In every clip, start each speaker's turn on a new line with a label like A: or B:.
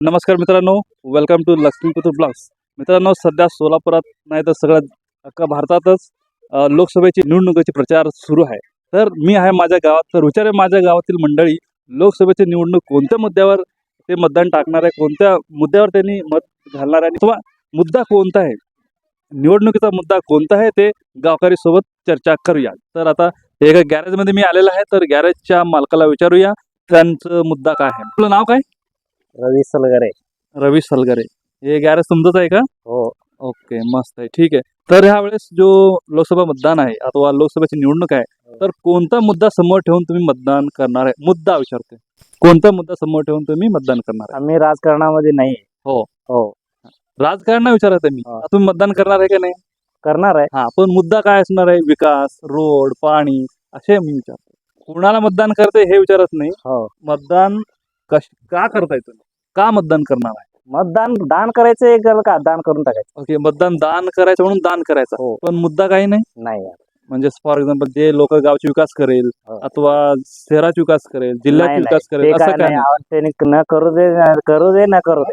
A: नमस्कार मित्रांनो, welcome to Laxmiputra blogs. मित्रांनो, सध्या सोलापुरात नाही तर सगळ्या अख्खा भारतातच लोकसभेची निवडणुकीचे प्रचार सुरू आहे. तर मी आहे माझ्या गावात. तर विचार आहे माझ्या गावातील मंडळी, लोकसभेची निवडणूक कोणत्या मुद्द्यावर ते मतदान टाकणार आहे, कोणत्या मुद्द्यावर त्यांनी मत घालणार आहे किंवा मुद्दा कोणता आहे, निवडणुकीचा मुद्दा कोणता आहे, ते गावकरी सोबत चर्चा करूया. तर आता एका गॅरेजमध्ये मी आलेला आहे. तर गॅरेजच्या मालकाला विचारूया त्यांचं मुद्दा काय आहे. आपलं नाव काय?
B: रवी सलगरे.
A: रवी सलगरे. हे गॅरेज तुमचंच आहे का?
B: हो.
A: ओके, मस्त आहे, ठीक आहे. तर ह्या वेळेस जो लोकसभा मतदान आहे अथवा लोकसभेची निवडणूक आहे, तर कोणता मुद्दा समोर ठेवून तुम्ही मतदान करणार आहे? मुद्दा विचारते, कोणता मुद्दा समोर ठेवून तुम्ही मतदान करणार आहे?
B: आम्ही राजकारणामध्ये नाही.
A: हो
B: हो.
A: राजकारण विचारत आहे मी.
B: हा.
A: तुम्ही मतदान करणार आहे का नाही?
B: करणार आहे.
A: हा, पण मुद्दा काय असणार आहे? विकास, रोड, पाणी, असे मी विचारतो. कुणाला मतदान करते हे विचारत नाही.
B: हो.
A: मतदान का करताय तुम्ही? का मतदान करणार आहे?
B: मतदान दान करायचं एक का दान करून टाकायचं.
A: ओके, मतदान दान करायचं म्हणून दान करायचं.
B: हो.
A: पण मुद्दा काही नाही.
B: नाही.
A: म्हणजे फॉर एक्झाम्पल जे लोक गावचे विकास करेल
B: हो.
A: अथवा शहराचा विकास करेल, जिल्ह्याचा
B: नाही,
A: विकास
B: नाही.
A: करेल,
B: ते
A: असं
B: काय
A: काय
B: नाही.
A: नाही.
B: त्यांनी न करू दे, करू दे, न करू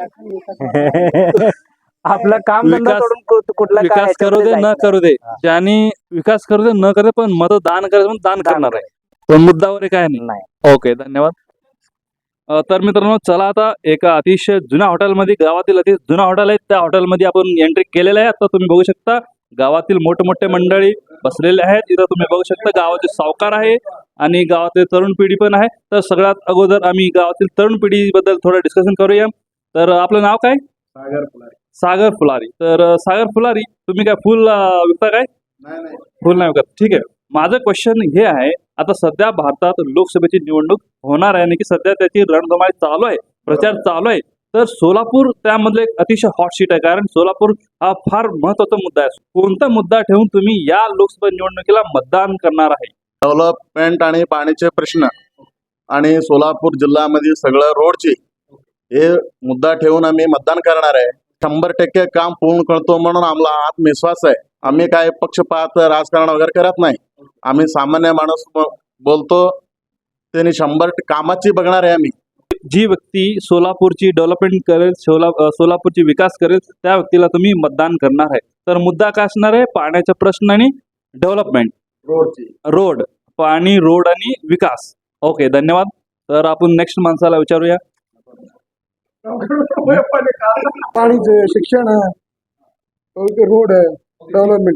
B: दे. आपलं काम धंदा
A: विकास-
B: सोडून कुठला काय
A: विकास करू दे,
B: ह्याच्यामध्ये
A: न
B: जायचं
A: करू दे,
B: हा.
A: ज्यांनी विकास करू दे, न करू दे, पण मतदान करायचं म्हणून दान
B: दान
A: करणार आहे.
B: करायचं.
A: पण मुद्द्यावर काय नाही.
B: नाही.
A: ओके, धन्यवाद. तर मित्रांनो, चला आता एका अतिशय जुन्या हॉटेलमध्ये, गावातील अति जुना हॉटेल आहे, त्या हॉटेलमध्ये आपण एंट्री केलेलं आहे. आता तुम्ही बघू शकता गावातील मोठे मंडळी बसलेले आहेत. इथं तुम्ही बघू शकता गावाचे सावकार आहे आणि गावातील तरुण पिढी पण आहे. तर सगळ्यात अगोदर आम्ही गावातील तरुण पिढीबद्दल थोडं डिस्कशन करूया. तर आपलं नाव काय?
C: सागर फुलारी.
A: सागर फुलारी. तर सागर फुलारी, तुम्ही काय फुल विकता काय?
C: नाही
A: फुल नाही विकत, ठीक आहे. माझं क्वेश्चन हे आहे, आता सध्या भारतात लोकसभेची निवडणूक होणार आहे आणि की सध्या त्याची रणधुमाळी चालू आहे, प्रचार चालू आहे. तर सोलापूर त्यामधलं एक अतिशय हॉट सीट आहे, कारण सोलापूर हा फार महत्वाचा मुद्दा आहे. कोणता मुद्दा ठेवून तुम्ही या लोकसभा निवडणुकीला मतदान करणार आहे?
C: डेव्हलपमेंट आणि पाण्याचे प्रश्न आणि सोलापूर जिल्ह्यामध्ये सगळं रोडची हे मुद्दा ठेवून आम्ही मतदान करणार आहे. 100% काम पूर्ण करतो म्हणून आम्हाला आत्मविश्वास आहे. आम्ही काय पक्षपात राजकारण वगैरे करत नाही. आम्ही सामान्य माणूस बोलतो, त्यांनी 100% कामाची बघणार आहे. आम्ही
A: जी व्यक्ती सोलापूरची डेव्हलपमेंट करेल, सोलापूरची विकास करेल, त्या व्यक्तीला तुम्ही मतदान करणार आहे. तर मुद्दा काय असणार आहे? पाण्याचा प्रश्न आणि डेव्हलपमेंट,
C: रोडची
A: रोड, पाणी, रोड आणि विकास. ओके, धन्यवाद. तर आपण नेक्स्ट माणसाला विचारूया.
D: पाणीचे शिक्षण आहे, रोड आहे, डेव्हलपमेंट.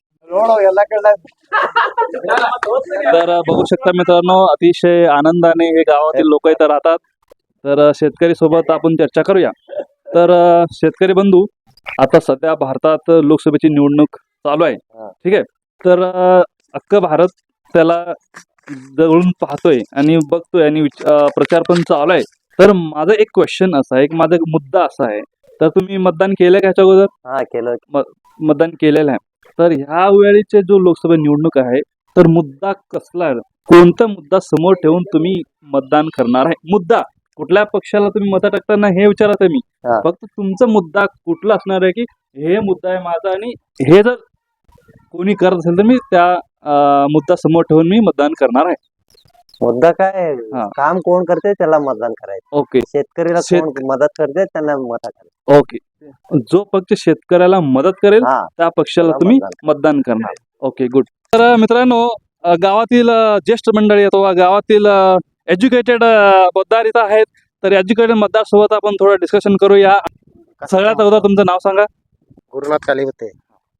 A: तर बघू शकता मित्रांनो, अतिशय आनंदाने हे गावातील लोक इथं राहतात. तर शेतकरी सोबत आपण चर्चा करूया. तर शेतकरी बंधू, आता सध्या भारतात लोकसभेची निवडणूक चालू आहे, ठीक आहे. तर अख्खं भारत त्याला जवळून पाहतोय आणि बघतोय आणि प्रचार पण चालू आहे. तर माझा एक क्वेश्चन असा आहे, माझा एक मुद्दा असा आहे, तर तुम्ही मतदान केलंय का ह्याच्या अगोदर?
B: हा, केलं.
A: मतदान केलेलं आहे. तर ह्या वेळेचे जो लोकसभा निवडणूक आहे, तर मुद्दा कसला आहे? कोणता मुद्दा समोर ठेवून तुम्ही मतदान करणार आहे? मुद्दा कुठल्या पक्षाला तुम्ही मत टाकताना हे विचारत आहे मी.
B: हा.
A: फक्त तुमचा मुद्दा कुठला असणार आहे, की हे मुद्दा आहे माझा आणि हे जर कोणी करत असेल तर मी त्या मुद्दा समोर ठेवून मी मतदान करणार आहे.
B: मुद्दा काय
A: हा.
B: काम कोण करते त्याला मतदान करायचं.
A: ओके.
B: शेतकरीला कोण मदत करते त्यांना मत करायचं.
A: ओके, जो पक्ष शेतकऱ्याला मदत करेल
B: हा,
A: त्या पक्षाला
B: त्याला
A: तुम्ही
B: मतदान
A: मतदान करणार. Okay, good. तर मित्रांनो, गावातील ज्येष्ठ मंडळी अथवा गावातील एज्युकेटेड मतदार इथं आहेत. तर एज्युकेटेड मतदार सोबत आपण थोडं डिस्कशन करूया. सगळ्यात अगोदर तुमचं नाव सांगा.
B: गुरुनाथ काली होते.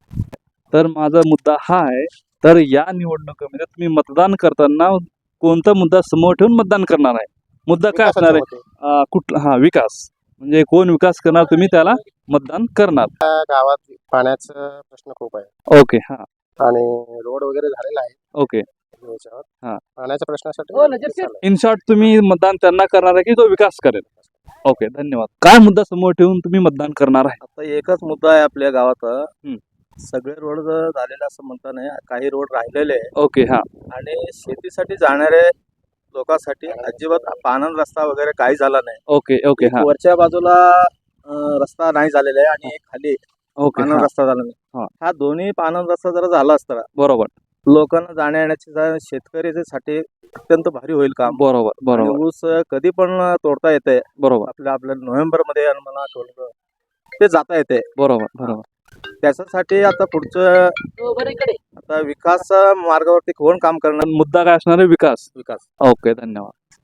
A: तर माझा मुद्दा हा आहे, तर या निवडणुकीमध्ये तुम्ही मतदान करताना कोणता मुद्दा समोर ठेवून मतदान करणार आहे? मुद्दा काय असणार आहे? कुठला? विकास. म्हणजे कोण विकास करणार तुम्ही त्याला मतदान करणार.
B: गावात पाण्याचा प्रश्न खूप आहे
A: ओके, हा,
B: आणि रोड वगैरे झालेला आहे
A: ओके.
B: याच्यावर.
A: हा.
B: पाण्याच्या प्रश्नासाठी
A: इन शॉर्ट तुम्ही मतदान त्यांना करणार आहे की जो विकास करेल. ओके, धन्यवाद. काय मुद्दा समोर ठेवून तुम्ही मतदान करणार आहे?
E: आता एकच मुद्दा आहे आपल्या गावात. सगळे रोड झालेले असं म्हणता नाही, काही रोड राहिलेले आहे.
A: ओके, हा,
E: आणि शेतीसाठी जाणारे लोकांसाठी अजिबात पाणंद रस्ता वगैरे काही झाला नाही.
A: ओके, ओके,
E: एक
A: हा,
E: वरच्या बाजूला रस्ता नाही झालेला आहे आणि एक खाली
A: ओके,
E: पाणंद
A: हा,
E: रस्ता झाला
A: हा.
E: नाही. हा दोन्ही पाणंद रस्ता जरा झाला असता
A: बरोबर.
E: लोकांना जाण्या येण्याची शेतकऱ्यासाठी अत्यंत भारी होईल काम.
A: बरोबर
E: आणि
A: बरोबर
E: ऊस कधी पण तोडता येते.
A: बरोबर
E: आपल्या नोव्हेंबर मध्ये आणि मला आठवलं ते जाता येते.
A: बरोबर बरोबर
E: त्याच्यासाठी आता पुढचं आता विकास मार्गावरती कोण काम करणार?
A: मुद्दा काय असणार आहे? विकास.
E: विकास.
A: ओके, धन्यवाद.